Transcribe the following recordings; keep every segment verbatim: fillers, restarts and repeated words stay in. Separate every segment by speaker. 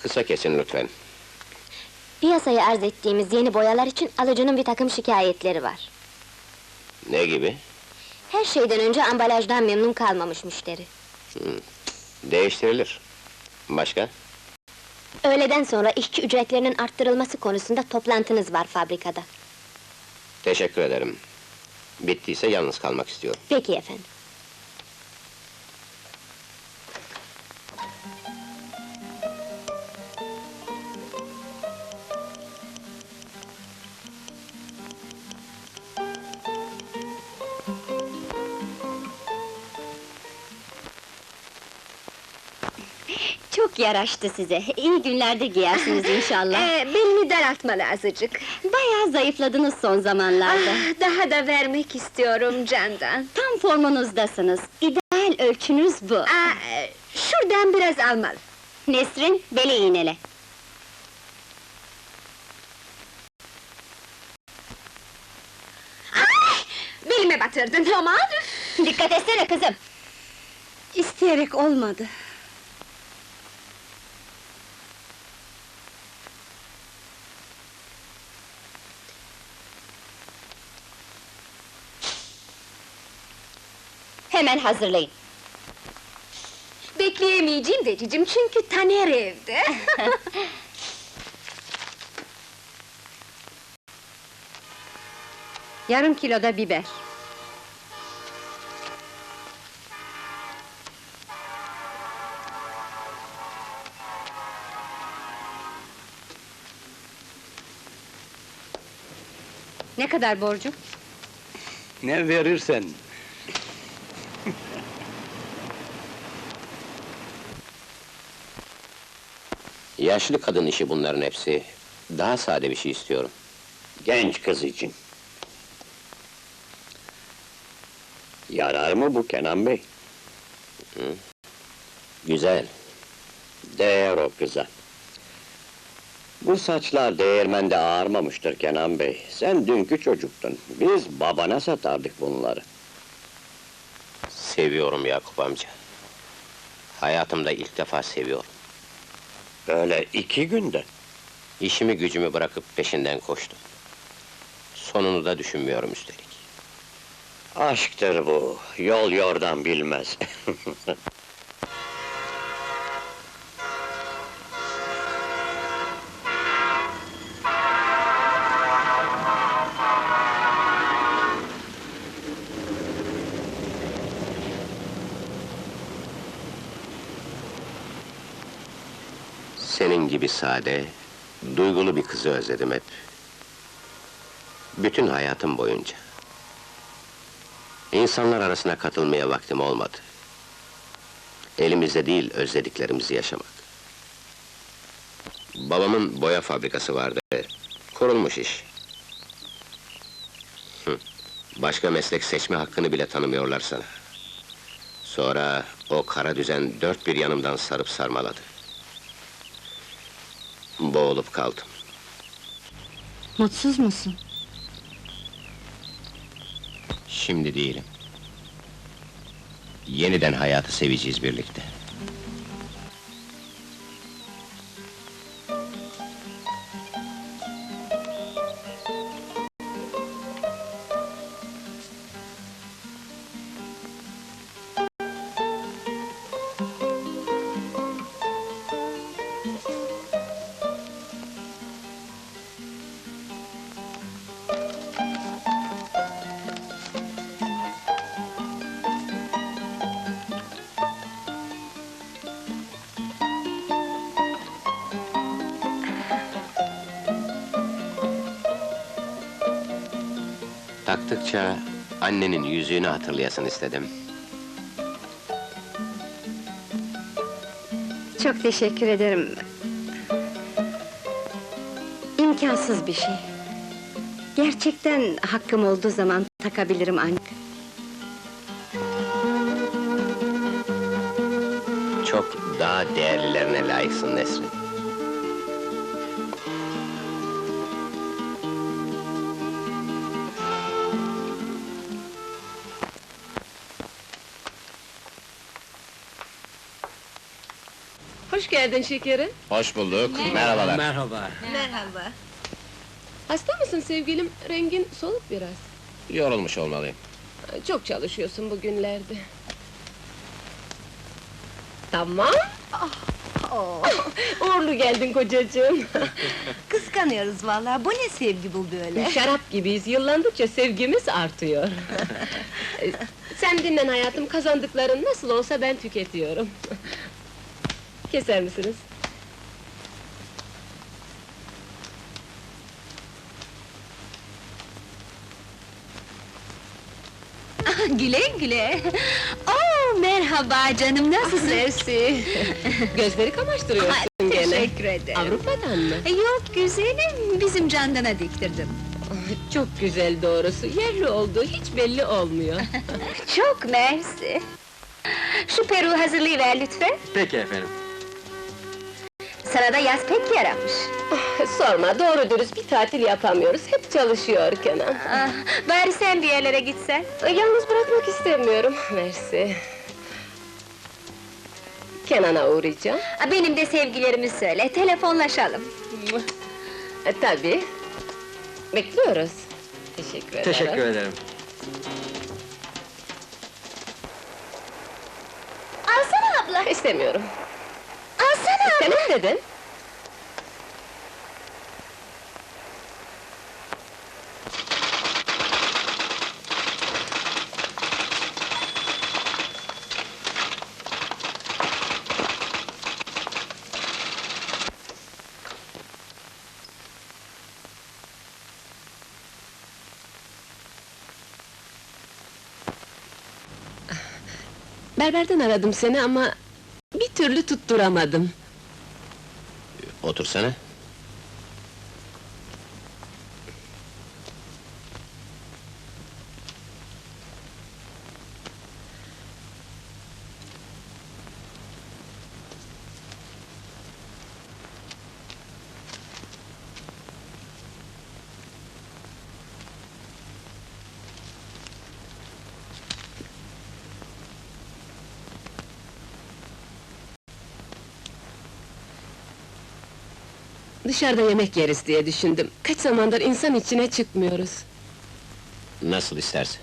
Speaker 1: Kısa kesin lütfen.
Speaker 2: Piyasaya arz ettiğimiz yeni boyalar için alıcının bir takım şikayetleri var.
Speaker 1: Ne gibi?
Speaker 2: Her şeyden önce ambalajdan memnun kalmamış müşteri.
Speaker 1: Değiştirilir. Başka?
Speaker 2: Öğleden sonra işçi ücretlerinin arttırılması konusunda toplantınız var fabrikada.
Speaker 1: Teşekkür ederim. Bittiyse yalnız kalmak istiyorum.
Speaker 2: Peki efendim.
Speaker 3: Çok yaraştı size, iyi günlerde giyersiniz inşallah.
Speaker 4: Ee, belini daraltmalı azıcık.
Speaker 3: Bayağı zayıfladınız son zamanlarda.
Speaker 4: Ah, daha da vermek istiyorum Candan.
Speaker 3: Tam formunuzdasınız, ideal ölçünüz bu.
Speaker 4: Aa, şuradan biraz almalı.
Speaker 3: Nesrin, beli iğnele.
Speaker 4: Belime batırdın aman!
Speaker 3: Dikkat etsene kızım!
Speaker 4: İsteyerek olmadı.
Speaker 3: Hemen hazırlayın.
Speaker 4: Bekleyemeyeceğim de cicim, çünkü Taner evde.
Speaker 3: Yarım kilo da biber. Ne kadar borcum?
Speaker 5: Ne verirsen.
Speaker 1: Yaşlı kadın işi bunların hepsi. Daha sade bir şey istiyorum.
Speaker 5: Genç kız için. Yarar mı bu Kenan Bey?
Speaker 1: Güzel.
Speaker 5: Değer o kıza. Bu saçlar değirmende ağarmamıştır Kenan Bey. Sen dünkü çocuktun. Biz babana satardık bunları.
Speaker 1: Seviyorum Yakup amca. Hayatımda ilk defa seviyorum.
Speaker 5: Böyle iki günde.
Speaker 1: İşimi gücümü bırakıp peşinden koştum. Sonunu da düşünmüyorum üstelik.
Speaker 5: Aşktır bu. Yol yordan bilmez.
Speaker 1: Senin gibi sade, duygulu bir kızı özledim hep. Bütün hayatım boyunca. İnsanlar arasına katılmaya vaktim olmadı. Elimizde değil, özlediklerimizi yaşamak. Babamın boya fabrikası vardı. Kurulmuş iş. Hı. Başka meslek seçme hakkını bile tanımıyorlar sana. Sonra o kara düzen dört bir yanımdan sarıp sarmaladı. Boğulup kaldım.
Speaker 3: Mutsuz musun?
Speaker 1: Şimdi değilim. Yeniden hayatı seveceğiz birlikte. Taktıkça annenin yüzüğünü hatırlayasın istedim.
Speaker 4: Çok teşekkür ederim. İmkansız bir şey. Gerçekten hakkım olduğu zaman takabilirim ancak.
Speaker 1: Çok daha değerlilerine layıksın Nesrin.
Speaker 4: Hoş
Speaker 6: Hoş geldin şekerim.
Speaker 1: Hoş bulduk. Merhabalar.
Speaker 7: Merhaba.
Speaker 4: Merhaba.
Speaker 6: Hasta mısın sevgilim? Rengin soluk biraz.
Speaker 1: Yorulmuş olmalıyım.
Speaker 6: Çok çalışıyorsun bugünlerde. Tamam. Uğurlu geldin kocacığım.
Speaker 4: Kıskanıyoruz vallahi. Bu ne sevgi bu böyle?
Speaker 6: Şarap gibiyiz, yıllandıkça sevgimiz artıyor. Ee, Sen dinlen hayatım, kazandıkların nasıl olsa ben tüketiyorum. Keser misiniz?
Speaker 4: Güle güle. Oo, merhaba canım, nasılsın?
Speaker 6: Mersi. Gözleri kamaştırıyorsun
Speaker 4: Ha,
Speaker 6: gene.
Speaker 4: teşekkür ederim.
Speaker 6: Avrupa'dan mı?
Speaker 4: Yok güzelim, bizim Candan'a diktirdim.
Speaker 6: Çok güzel doğrusu, yerli olduğu hiç belli olmuyor.
Speaker 4: Çok mersi. Şu peruğu hazırlayıver lütfen.
Speaker 7: Peki efendim.
Speaker 4: Sana da yaz pek yaramış.
Speaker 6: Sorma, doğru dürüst bir tatil yapamıyoruz, hep çalışıyor Kenan.
Speaker 4: Ah, bari sen bir yerlere gitsen.
Speaker 6: Yalnız bırakmak istemiyorum, mersi. Kenan'a uğrayacağım.
Speaker 4: Ah, benim de sevgilerimi söyle, telefonlaşalım.
Speaker 6: E, tabii. Bekliyoruz. Teşekkür ederim.
Speaker 7: Teşekkür ederim.
Speaker 6: Alsana abla! İstemiyorum.
Speaker 4: Alsana!
Speaker 6: Senin dedin. Berberden aradım seni ama bir türlü tutturamadım.
Speaker 1: Otursana.
Speaker 6: Dışarıda yemek yeriz diye düşündüm. Kaç zamandır insan içine çıkmıyoruz.
Speaker 1: Nasıl istersen.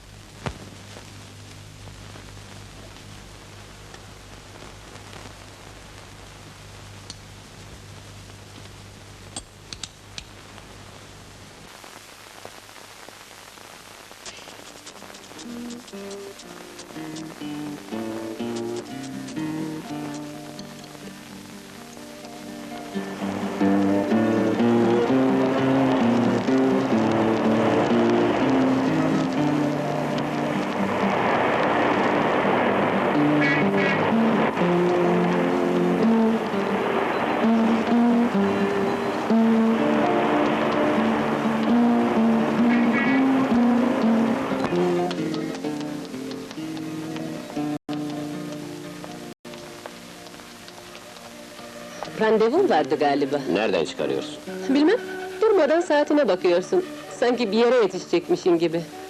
Speaker 6: Randevun vardı galiba.
Speaker 1: Nereden çıkarıyorsun?
Speaker 6: Bilmem, durmadan saatine bakıyorsun. Sanki bir yere yetişecekmişim gibi.